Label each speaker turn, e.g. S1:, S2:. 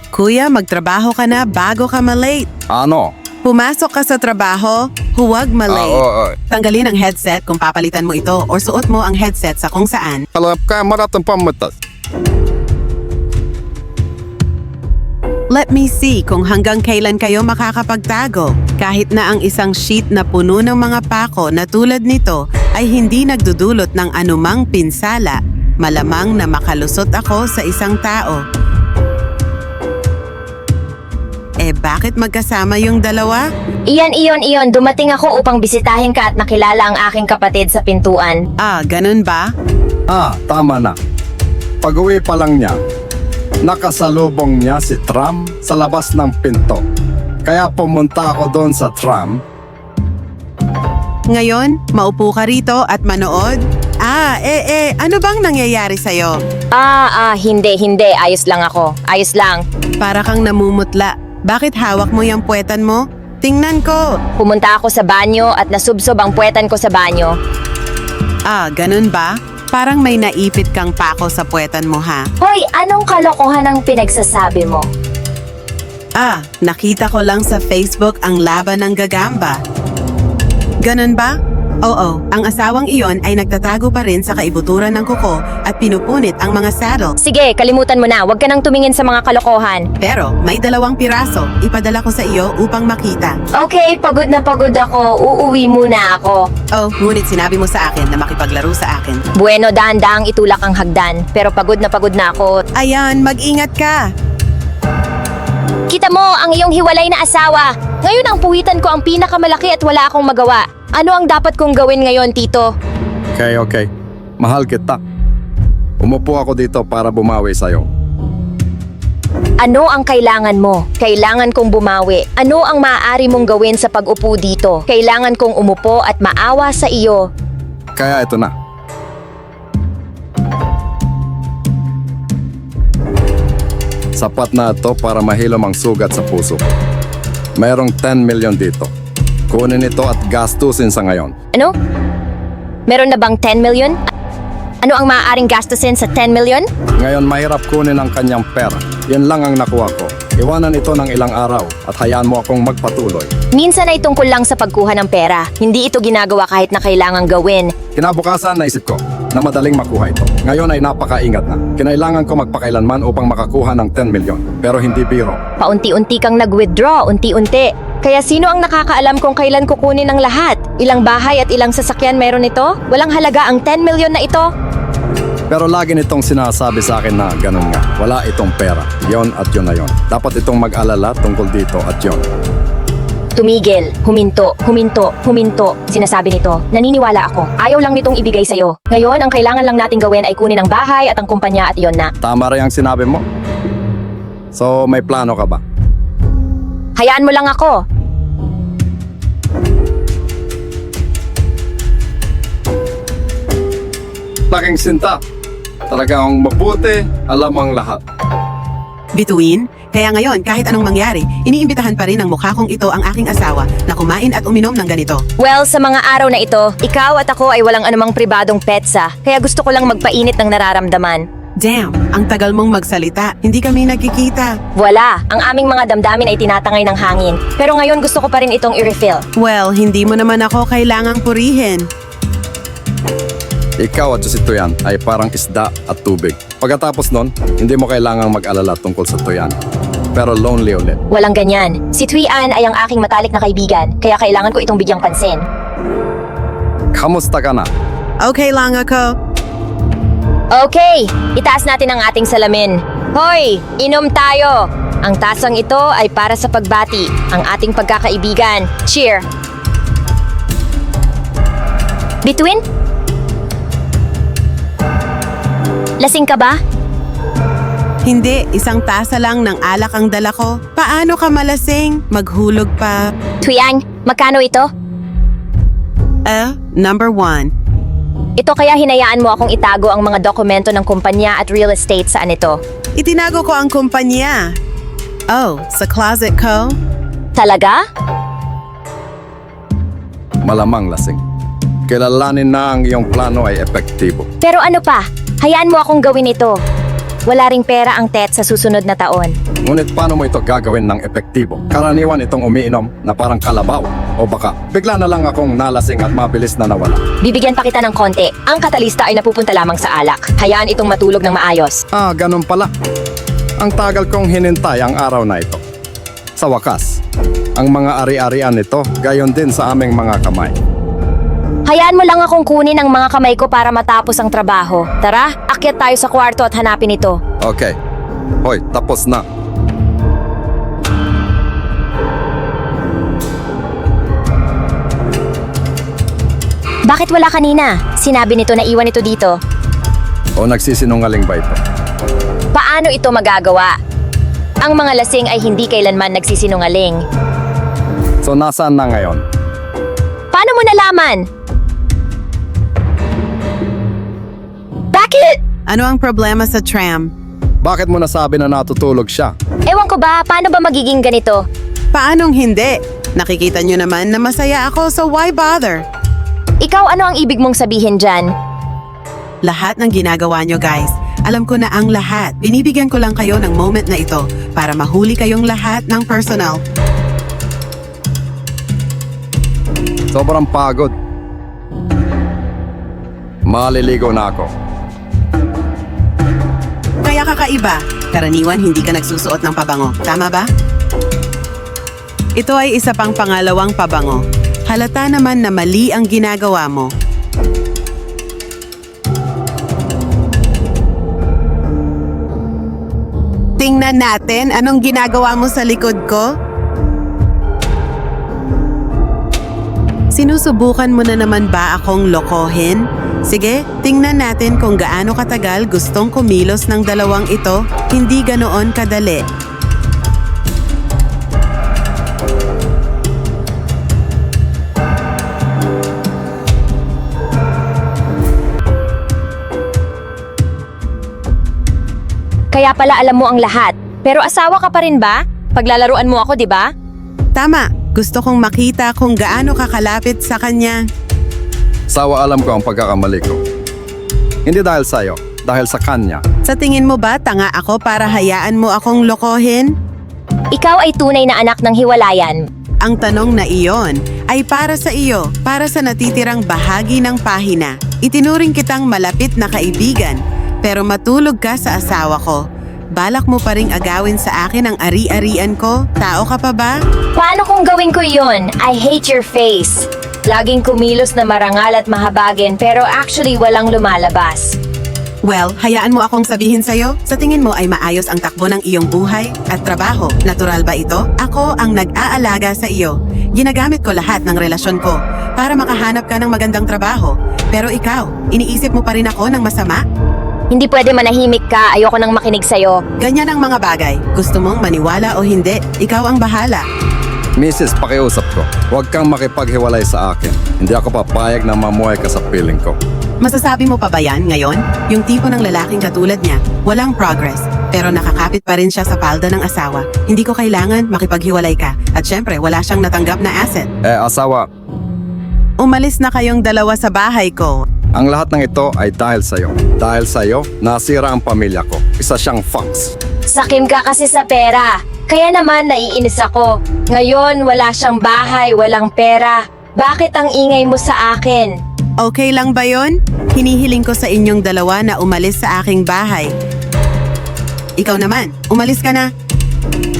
S1: Kuya, magtrabaho ka na bago ka malate.
S2: Ano?
S1: Pumasok ka sa trabaho, huwag malate.
S2: Oo.
S1: Tanggalin ang headset kung papalitan mo ito or suot mo ang headset sa kung saan.
S2: Kalap ka maratang pamatas.
S1: Let me see kung hanggang kailan kayo makakapagtago. Kahit na ang isang sheet na puno ng mga pako na tulad nito ay hindi nagdudulot ng anumang pinsala, malamang na makalusot ako sa isang tao. Bakit magkasama yung dalawa?
S3: Iyon. Dumating ako upang bisitahin ka at makilala ang aking kapatid sa pintuan.
S1: Ganun ba?
S2: Tama na. Pag-uwi pa lang niya, nakasalubong niya si tram sa labas ng pinto. Kaya pumunta ako doon sa tram.
S1: Ngayon, maupo ka rito at manood? Ano bang nangyayari sa'yo?
S3: Hindi. Ayos lang ako. Ayos lang.
S1: Para kang namumutla. Bakit hawak mo yung puwetan mo? Tingnan ko.
S3: Pumunta ako sa banyo at nasubsob ang puwetan ko sa banyo.
S1: Ganun ba? Parang may naipit kang pako sa puwetan mo, ha?
S3: Hoy, anong kalokohan ang pinagsasabi mo?
S1: Nakita ko lang sa Facebook ang laban ng gagamba. Ganun ba? Oo, ang asawang iyon ay nagtatago pa rin sa kaibuturan ng kuko at pinupunit ang mga saddle.
S3: Sige, kalimutan mo na. Huwag ka nang tumingin sa mga kalokohan.
S1: Pero may 2 piraso. Ipadala ko sa iyo upang makita.
S3: Okay, pagod na pagod ako. Uuwi muna ako.
S1: Ngunit sinabi mo sa akin na makipaglaro sa akin.
S3: Bueno, dahan-dahang itulak ang hagdan. Pero pagod na ako.
S1: Ayan, mag-ingat ka.
S3: Kita mo, ang iyong hiwalay na asawa. Ngayon ang puwitan ko ang pinakamalaki at wala akong magawa. Ano ang dapat kong gawin ngayon, Tito?
S2: Okay. Mahal kita. Umupo ako dito para bumawi sa'yo.
S3: Ano ang kailangan mo? Kailangan kong bumawi. Ano ang maaari mong gawin sa pag-upo dito? Kailangan kong umupo at maawa sa iyo.
S2: Kaya ito na. Sapat na ito para mahilom ang sugat sa puso. Mayroong 10 million dito. Kunin ito at gastusin sa ngayon.
S3: Ano? Meron na bang 10 million? Ano ang maaaring gastusin sa 10 million?
S2: Ngayon mahirap kunin ang kanyang pera. Yan lang ang nakuha ko. Iwanan ito ng ilang araw at hayaan mo akong magpatuloy.
S3: Minsan ay tungkol lang sa pagkuha ng pera. Hindi ito ginagawa kahit na kailangang gawin.
S2: Kinabukasan naisip ko na madaling makuha ito. Ngayon ay napakaingat na. Kinailangan ko magpakailanman upang makakuha ng 10 million. Pero hindi biro.
S3: Paunti-unti kang nag-withdraw, unti-unti. Kaya sino ang nakakaalam kung kailan kukunin ang lahat? Ilang bahay at ilang sasakyan meron ito? Walang halaga ang 10 million na ito?
S2: Pero lagi nitong sinasabi sa akin na ganun nga. Wala itong pera. Yon at yon na yon. Dapat itong mag-alala tungkol dito at yon.
S3: Tumigil, huminto. Sinasabi nito, naniniwala ako. Ayaw lang nitong ibigay sa'yo. Ngayon, ang kailangan lang nating gawin ay kunin ang bahay at ang kumpanya at iyon na.
S2: Tama rin ang sinabi mo. So, may plano ka ba?
S3: Hayaan mo lang ako.
S2: Laking sinta. Talagang mabuti, alam ang lahat.
S1: Bituin, kaya ngayon kahit anong mangyari, iniimbitahan pa rin ng mukha kong ito ang aking asawa na kumain at uminom ng ganito.
S3: Well, sa mga araw na ito, ikaw at ako ay walang anumang pribadong petsa, kaya gusto ko lang magpainit ng nararamdaman.
S1: Damn, ang tagal mong magsalita. Hindi kami nagkikita.
S3: Wala, ang aming mga damdamin ay tinatangay ng hangin. Pero ngayon gusto ko pa rin itong i-refill.
S1: Well, hindi mo naman ako kailangang purihin.
S2: Ikaw at si Tuyan ay parang isda at tubig. Pagkatapos nun, hindi mo kailangang mag-alala tungkol sa Tuyan. Pero lonely ulit.
S3: Walang ganyan. Si Thuy-an ay ang aking matalik na kaibigan, kaya kailangan ko itong bigyang pansin.
S2: Kamusta ka na?
S1: Okay lang ako.
S3: Okay, itaas natin ang ating salamin. Hoy, inom tayo! Ang tasang ito ay para sa pagbati, ang ating pagkakaibigan. Cheer! Bituin? Lasing ka ba?
S1: Hindi, isang tasa lang ng alak ang dala ko. Paano ka malasing? Maghulog pa.
S3: Thuy-an, magkano ito?
S1: Number 1.
S3: Ito kaya hinayaan mo akong itago ang mga dokumento ng kumpanya at real estate saan ito?
S1: Itinago ko ang kumpanya. Sa closet ko?
S3: Talaga?
S2: Malamang lasing. Kilalanin na ang iyong plano ay epektibo.
S3: Pero ano pa? Hayaan mo akong gawin ito. Wala ring pera ang Tet sa susunod na taon.
S2: Ngunit paano mo ito gagawin ng epektibo? Karaniwan itong umiinom na parang kalabaw. O baka bigla na lang akong nalasing at mabilis na nawala.
S3: Bibigyan pa kita ng konti. Ang katalista ay napupunta lamang sa alak. Hayaan itong matulog ng maayos.
S2: Ah, ganun pala. Ang tagal kong hinintay ang araw na ito. Sa wakas, ang mga ari-arian nito gayon din sa aming mga kamay.
S3: Hayaan mo lang akong kunin ang mga kamay ko para matapos ang trabaho. Tara, akyat tayo sa kwarto at hanapin ito.
S2: Okay. Hoy, tapos na.
S3: Bakit wala kanina? Sinabi nito na iwan ito dito.
S2: O nagsisinungaling ba ito?
S3: Paano ito magagawa? Ang mga lasing ay hindi kailanman nagsisinungaling.
S2: So nasaan na ngayon?
S3: Paano mo nalaman? Bakit?
S1: Ano ang problema sa tram?
S2: Bakit mo nasabi na natutulog siya?
S3: Ewan ko ba, paano ba magiging ganito?
S1: Paanong hindi? Nakikita nyo naman na masaya ako, so why bother?
S3: Ikaw, ano ang ibig mong sabihin dyan?
S1: Lahat ng ginagawa nyo guys, alam ko na ang lahat. Binibigyan ko lang kayo ng moment na ito para mahuli kayong lahat ng personal.
S2: Sobrang pagod. Maliligo na ako.
S1: Kaya kakaiba, karaniwan hindi ka nagsusuot ng pabango. Tama ba? Ito ay isa pang pangalawang pabango. Halata naman na mali ang ginagawa mo. Tingnan natin anong ginagawa mo sa likod ko. Sinusubukan mo na naman ba akong lokohin? Sige, tingnan natin kung gaano katagal gustong kumilos ng dalawang ito. Hindi ganoon kadali.
S3: Kaya pala alam mo ang lahat. Pero asawa ka pa rin ba? Paglalaruan mo ako, di ba?
S1: Tama, gusto kong makita kung gaano kakalapit sa kanya.
S2: Sawa alam ko ang pagkakamali ko. Hindi dahil sa'yo, dahil sa kanya.
S1: Sa tingin mo ba tanga ako para hayaan mo akong lokohin?
S3: Ikaw ay tunay na anak ng hiwalayan.
S1: Ang tanong na iyon ay para sa iyo, para sa natitirang bahagi ng pahina. Itinuring kitang malapit na kaibigan, pero matulog ka sa asawa ko. Balak mo pa ring agawin sa akin ang ari-arian ko? Tao ka pa ba?
S3: Paano kung gawin ko yun? I hate your face. Laging kumilos na marangal at mahabagin pero actually walang lumalabas.
S1: Well, hayaan mo akong sabihin sa'yo, sa tingin mo ay maayos ang takbo ng iyong buhay at trabaho. Natural ba ito? Ako ang nag-aalaga sa iyo. Ginagamit ko lahat ng relasyon ko para makahanap ka ng magandang trabaho. Pero ikaw, iniisip mo pa rin ako ng masama?
S3: Hindi pwede manahimik ka, ayoko nang makinig sa'yo.
S1: Ganyan ang mga bagay. Gusto mong maniwala o hindi, ikaw ang bahala.
S2: Mrs. Pakiusap ko, huwag kang makipaghiwalay sa akin. Hindi ako papayag na mamuhay ka sa piling ko.
S1: Masasabi mo pa ba yan ngayon? Yung tipo ng lalaking katulad niya, walang progress, pero nakakapit pa rin siya sa palda ng asawa. Hindi ko kailangan makipaghiwalay ka. At syempre, wala siyang natanggap na asset.
S2: Asawa,
S1: Umalis na kayong dalawa sa bahay ko.
S2: ang lahat ng ito ay dahil sa'yo. Dahil sa'yo, nasira ang pamilya ko. Isa siyang fox.
S3: Sakim ka kasi sa pera. Kaya naman naiinis ako. Ngayon wala siyang bahay, walang pera. Bakit ang ingay mo sa akin?
S1: Okay lang ba yon? Hinihiling ko sa inyong dalawa na umalis sa aking bahay. Ikaw naman, umalis ka na.